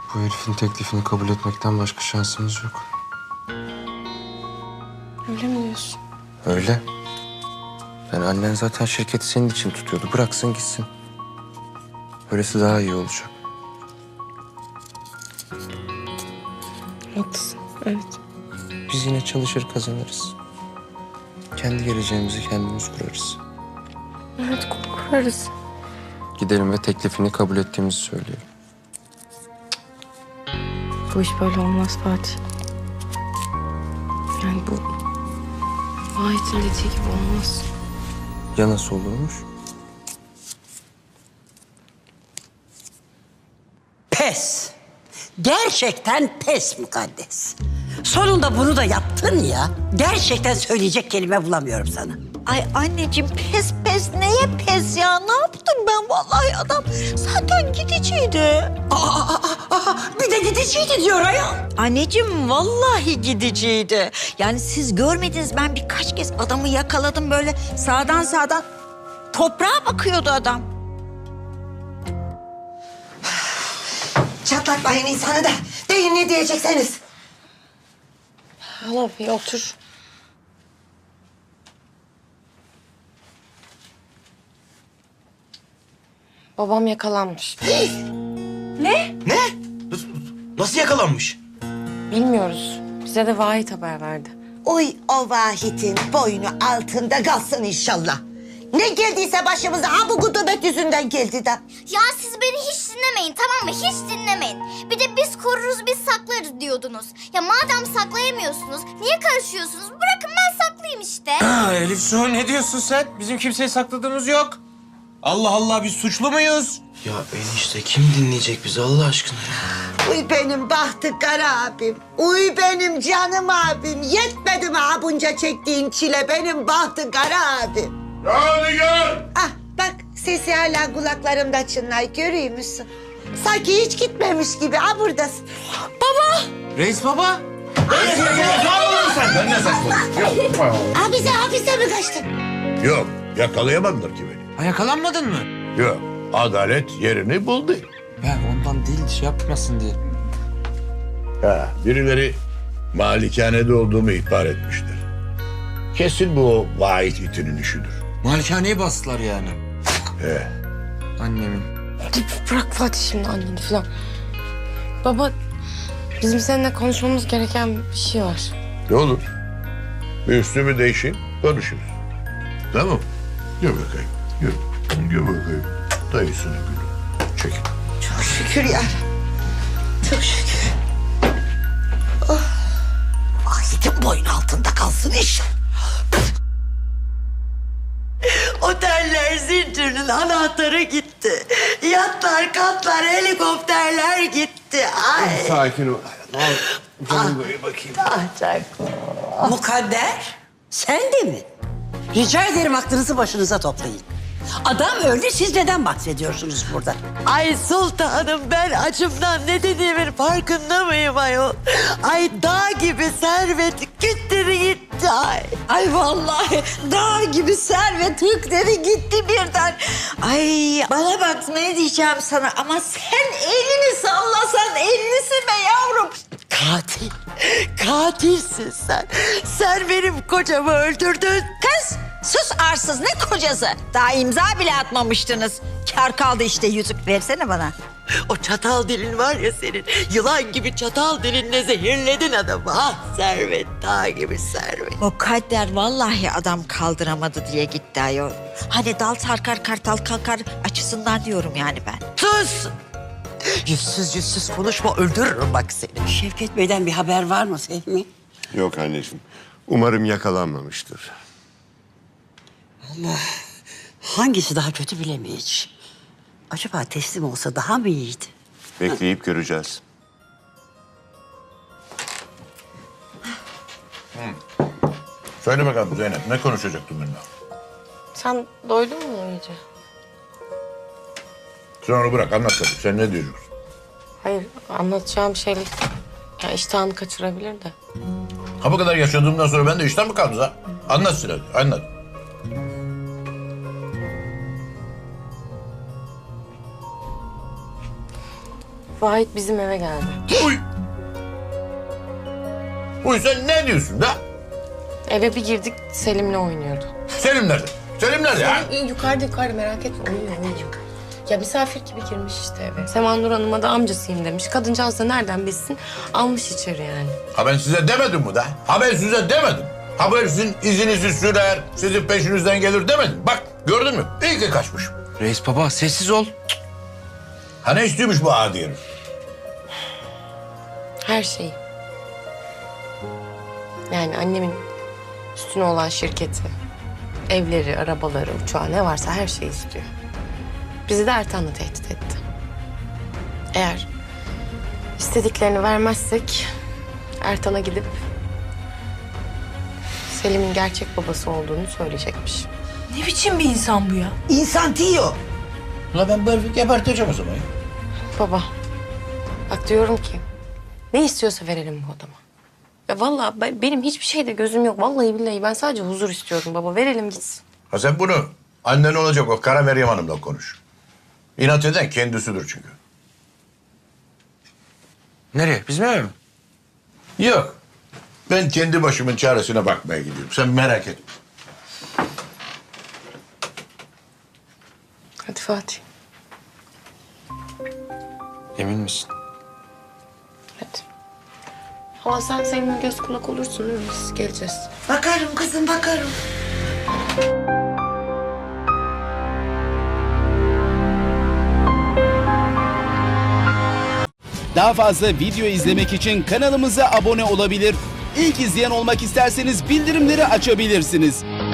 Bu herifin teklifini kabul etmekten başka şansımız yok. Öyle mi diyorsun? Öyle. Yani annen zaten şirketi senin için tutuyordu. Bıraksın gitsin. Böylesi daha iyi olacak. Haklısın, evet. Biz yine çalışır kazanırız. Kendi geleceğimizi kendimiz kurarız. Evet, kurarız. Gidelim ve teklifini kabul ettiğimizi söyleyelim. Bu iş böyle olmaz Fatih. Yani bu Vahit'in dediği gibi olmaz. Ya nasıl olurmuş? Pes. Gerçekten pes Mukaddes. Sonunda bunu da yaptın ya. Gerçekten söyleyecek kelime bulamıyorum sana. Ay anneciğim pes pes neye pes ya? Ne yaptım ben vallahi adam zaten gidiciydi. Bir de gidiciydi diyor ayol. Anneciğim vallahi gidiciydi. Yani siz görmediniz ben birkaç kez adamı yakaladım böyle sağdan toprağa bakıyordu adam. Çatlatmayın insanı da. Deyin ne diyecekseniz. Hala bir otur. Babam yakalanmış. Ne? Nasıl yakalanmış? Bilmiyoruz. Bize de Vahit haber verdi. Oy o Vahit'in boynu altında kalsın inşallah. Ne geldiyse başımıza ha bu gudubet yüzünden geldi de. Ya siz beni hiç dinlemeyin, tamam mı? Hiç dinlemeyin. Bir de biz koruruz, biz saklarız diyordunuz. Ya madem saklayamıyorsunuz, niye karışıyorsunuz? Bırakın ben saklayayım işte. Elif Su ne diyorsun sen? Bizim kimseyi sakladığımız yok. Allah Allah biz suçlu muyuz? Ya enişte kim dinleyecek bizi Allah aşkına ya? Uy benim bahtı kara abim. Uy benim canım abim. Yetmedi mi ha bunca çektiğin çile benim bahtı kara abim. Hadi gel. Ah bak sesi hala kulaklarımda çınlar görüyor musun? Sanki hiç gitmemiş gibi ha buradasın. Reis baba. Sen ne saçmalıyorsun? Hapise mi kaçtın? Yok, yakalayamadılar ki beni. Ha, yakalanmadın mı? Yok, adalet yerini buldu. Ya ondan değil, şey yapmasın diye. Birileri malikanede olduğumu ihbar etmişler. Kesin bu o vahit itinin işidir. Malikaneyi bastılar yani. Annemin. Bırak Fatih şimdi anneni falan. Baba, bizim seninle konuşmamız gereken bir şey var. Ne olur? Bir üstümü değişeyim, konuşuruz. Tamam. Gel bakayım, gel. Gel bakayım. Dayısını gülüm. Çekil. Çok şükür ya. Çok şükür. Oh. Vahit'in boynu altında kalsın iş. Oteller zincirinin anahtarı gitti. Yatlar, katlar, helikopterler gitti. Ay. Sakin ol. Canım böyle bakayım. Mukadder, sen de mi? Rica ederim aklınızı başınıza toplayın. Adam öldü, siz neden bahsediyorsunuz burada? Ay sultanım ben acımdan ne dediğimin farkında mıyım ayol? Ay dağ gibi servet gitti gitti ay. Ay vallahi dağ gibi servet hükleri gitti birden. Ay bana bak ne diyeceğim sana ama sen elini sallasan ellisi be yavrum. Katil, katilsin sen. Sen benim kocamı öldürdün. Kız sus arsız ne kocası? Daha imza bile atmamıştınız. Kar kaldı işte yüzük versene bana. O çatal dilin var ya senin. Yılan gibi çatal dilinle zehirledin adamı. Ah servet dağ gibi servet. Mukadder vallahi adam kaldıramadı diye gitti ayol. Hani dal sarkar kartal kalkar açısından diyorum yani ben. Sus! Yüzsüz konuşma öldürürüm bak seni. Şevket Bey'den bir haber var mı Fehmi? Yok anneciğim. Umarım yakalanmamıştır. Hangisi daha kötü bilemeyiz. Acaba teslim olsa daha mı iyiydi? Bekleyip göreceğiz. Söyle bakalım Zeynep, ne konuşacaktın benimle? Sen doydun mu iyice? Sen onu bırak, anlat tabii. Sen ne diyorsun? Hayır, anlatacağım şeyler... Ya iştahını kaçırabilir de. Ha bu kadar yaşadığımdan sonra ben de işten mi kaldım ha? Anlatsın hadi, anlat. Vahit bizim eve geldi. Uy! Uy sen ne diyorsun da? Eve bir girdik Selim'le oynuyordu. Selim nerede? Selim nerede ha? Yukarıda merak etme uyuyor. Ya misafir gibi girmiş işte eve. Seman Nur Hanım'a da amcasıyım demiş. Kadıncağız da nereden bilsin almış içeri yani. Ha ben size demedim mi da? Ha ben size demedim. Ha ben sizin izinizi sürer, sizin peşinizden gelir demedim. Bak gördün mü? İyi ki kaçmışım. Reis baba sessiz ol. Ha ne istiyormuş bu adi herif? Her şeyi. Yani annemin üstüne olan şirketi, evleri, arabaları, uçağı ne varsa her şeyi istiyor. Bizi de Ertan'la tehdit etti. Eğer istediklerini vermezsek Ertan'a gidip Selim'in gerçek babası olduğunu söyleyecekmiş. Ne biçim bir insan bu ya? İnsan değil o. Ulan ben bu herifi geberteceğim o zaman. Baba, bak diyorum ki ne istiyorsa verelim bu adama. Ya vallahi benim hiçbir şeyde gözüm yok. Vallahi billahi ben sadece huzur istiyorum baba. Verelim gitsin. Ha sen bunu annen olacak o Kara Meryem Hanım'la konuş. İnat eden kendisidir çünkü. Nereye? Bizim eve mi? Yok. Ben kendi başımın çaresine bakmaya gidiyorum. Sen merak etme. Hadi Fatih. Emin misin? Hadi. Hala sen Selim'in göz kulak olursun değil mi? Biz geleceğiz. Bakarım kızım bakarım. Daha fazla video izlemek için kanalımıza abone olabilir. İlk izleyen olmak isterseniz bildirimleri açabilirsiniz.